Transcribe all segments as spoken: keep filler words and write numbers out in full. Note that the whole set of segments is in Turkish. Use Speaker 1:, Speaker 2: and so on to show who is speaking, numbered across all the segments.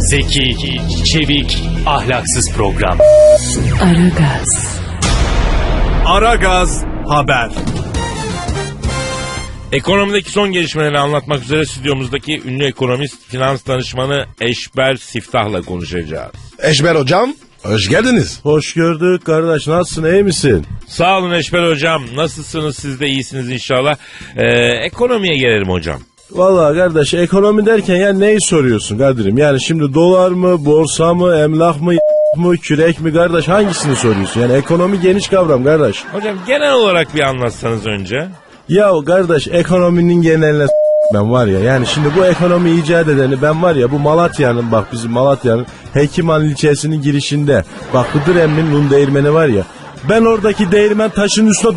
Speaker 1: Zeki, çevik, ahlaksız program.
Speaker 2: Aragaz.
Speaker 3: Aragaz Haber.
Speaker 4: Ekonomideki son gelişmeleri anlatmak üzere stüdyomuzdaki ünlü ekonomist, finans danışmanı Eşber Siftah'la konuşacağız.
Speaker 5: Eşber hocam, hoş geldiniz.
Speaker 6: Hoş gördük kardeş. Nasılsın, iyi misin?
Speaker 4: Sağ olun Eşber hocam. Nasılsınız? Siz de iyisiniz inşallah. Ee, ekonomiye gelelim hocam.
Speaker 6: Vallahi kardeş, ekonomi derken ya neyi soruyorsun Kadir'im? Yani şimdi dolar mı, borsa mı, emlak mı, mı, kürek mi kardeş, hangisini soruyorsun? Yani ekonomi geniş kavram kardeş.
Speaker 4: Hocam genel olarak bir anlatsanız önce.
Speaker 6: Ya kardeş, ekonominin geneline s- ben var ya, yani şimdi bu ekonomi icat edeni ben var ya, bu Malatya'nın, bak bizim Malatya'nın Hekiman ilçesinin girişinde, bak Hıdır Emmi'nin un değirmeni var ya, ben oradaki değirmen taşının üstüne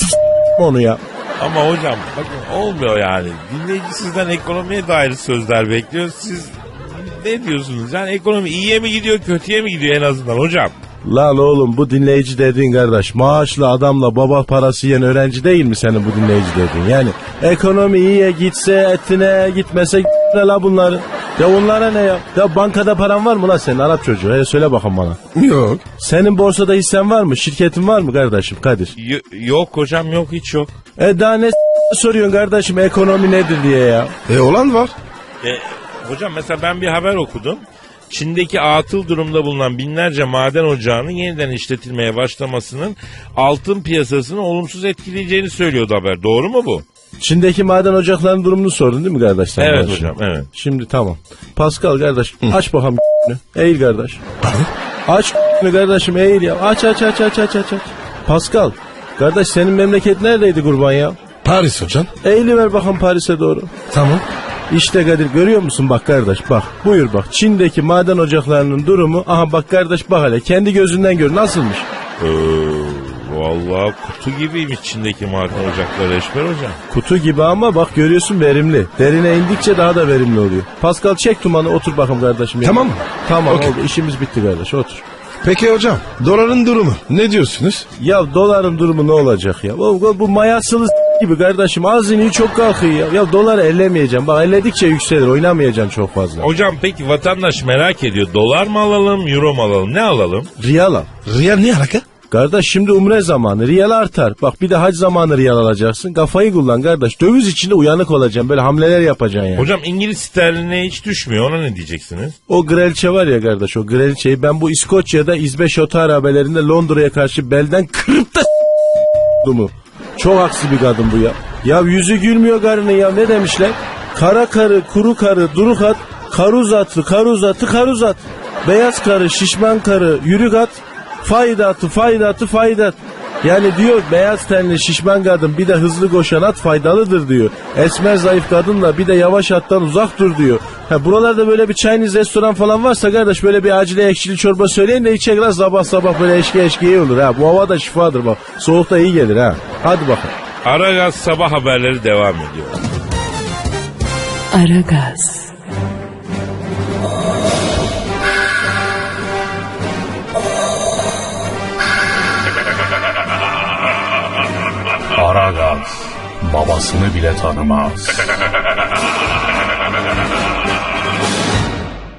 Speaker 6: onu ya.
Speaker 4: Ama hocam bakın olmuyor yani. Dinleyici sizden ekonomiye dair sözler bekliyor. Siz ne diyorsunuz? Yani ekonomi iyiye mi gidiyor, kötüye mi gidiyor en azından hocam?
Speaker 6: Lan oğlum, bu dinleyici dediğin kardeş maaşlı adamla baba parası yiyen öğrenci değil mi senin bu dinleyici dediğin? Yani ekonomi iyiye gitse etine, gitmese ne la bunları? Ya onlara ne ya? Ya bankada paran var mı lan senin Arap çocuğu? Hele söyle bakalım bana.
Speaker 5: Yok.
Speaker 6: Senin borsada hissen var mı? Şirketin var mı kardeşim Kadir?
Speaker 4: Y- yok hocam, yok, hiç yok.
Speaker 6: E daha ne s- soruyorsun kardeşim, ekonomi nedir diye ya?
Speaker 5: E olan var.
Speaker 4: E, hocam mesela ben bir haber okudum. Çin'deki atıl durumda bulunan binlerce maden ocağının yeniden işletilmeye başlamasının altın piyasasını olumsuz etkileyeceğini söylüyordu haber. Doğru mu bu?
Speaker 6: Çin'deki maden ocaklarının durumunu sordun değil mi kardeş sen?
Speaker 4: Evet
Speaker 6: bana
Speaker 4: hocam,
Speaker 6: şimdi?
Speaker 4: evet.
Speaker 6: Şimdi tamam. Pascal kardeş, aç bakalım eğil kardeş. Aç kardeşim, eğil ya. Aç aç aç aç aç aç. aç. Pascal kardeş, senin memleket neredeydi kurban ya?
Speaker 5: Paris hocam.
Speaker 6: Eğiliver bakalım Paris'e doğru.
Speaker 5: Tamam.
Speaker 6: İşte Kadir, görüyor musun bak kardeş, bak buyur bak, Çin'deki maden ocaklarının durumu, aha bak kardeş, bak hele kendi gözünden gör nasılmış.
Speaker 4: Ee, vallahi kutu gibiymiş Çin'deki maden ocakları Eşber hocam.
Speaker 6: Kutu gibi ama bak görüyorsun, verimli. Derine indikçe daha da verimli oluyor. Pascal çek tumanı, otur bakalım kardeşim.
Speaker 5: Tamam mı?
Speaker 6: Tamam
Speaker 5: Okay.
Speaker 6: oldu, işimiz bitti kardeş, otur.
Speaker 5: Peki hocam, doların durumu ne diyorsunuz?
Speaker 6: Ya doların durumu ne olacak ya? Bu, bu mayasılı s- gibi kardeşim, az iniyor çok kalkıyor ya. Ya doları ellemeyeceğim, bak elledikçe yükselir, oynamayacaksın çok fazla.
Speaker 4: Hocam peki vatandaş merak ediyor. Dolar mı alalım, euro mu alalım? Ne alalım?
Speaker 6: Riyal al.
Speaker 5: Riyal ne alaka?
Speaker 6: Kardeş şimdi umre zamanı, riyal artar. Bak bir de hac zamanı riyal alacaksın. Kafayı kullan kardeş. Döviz içinde uyanık olacaksın. Böyle hamleler yapacaksın yani.
Speaker 4: Hocam İngiliz sterline hiç düşmüyor. Ona ne diyeceksiniz?
Speaker 6: O grelçe var ya kardeş, o grelçeyi ben bu İskoçya'da İzbeş Oto Arabelerinde Londra'ya karşı belden kırıp da mu? Çok aksi bir kadın bu ya. Ya yüzü gülmüyor karının ya, ne demişler? Kara karı, kuru karı, duruk at, karuz atı, karuz atı, karuz at. Beyaz karı, şişman karı, yürük at, faydatı, faydatı, faydat. Yani diyor beyaz tenli şişman kadın bir de hızlı koşan at faydalıdır diyor. Esmer zayıf kadınla bir de yavaş attan uzak dur diyor. Ha, buralarda böyle bir Chinese restoran falan varsa kardeş, böyle bir acile ekşili çorba söyleyin de içecek lan, sabah sabah böyle eşki eşki iyi olur ha. Bu hava da şifadır bak. Soğukta iyi gelir ha. Hadi bakalım.
Speaker 4: Aragaz sabah haberleri devam ediyor.
Speaker 2: Aragaz.
Speaker 1: Aragaz babasını bile tanımaz.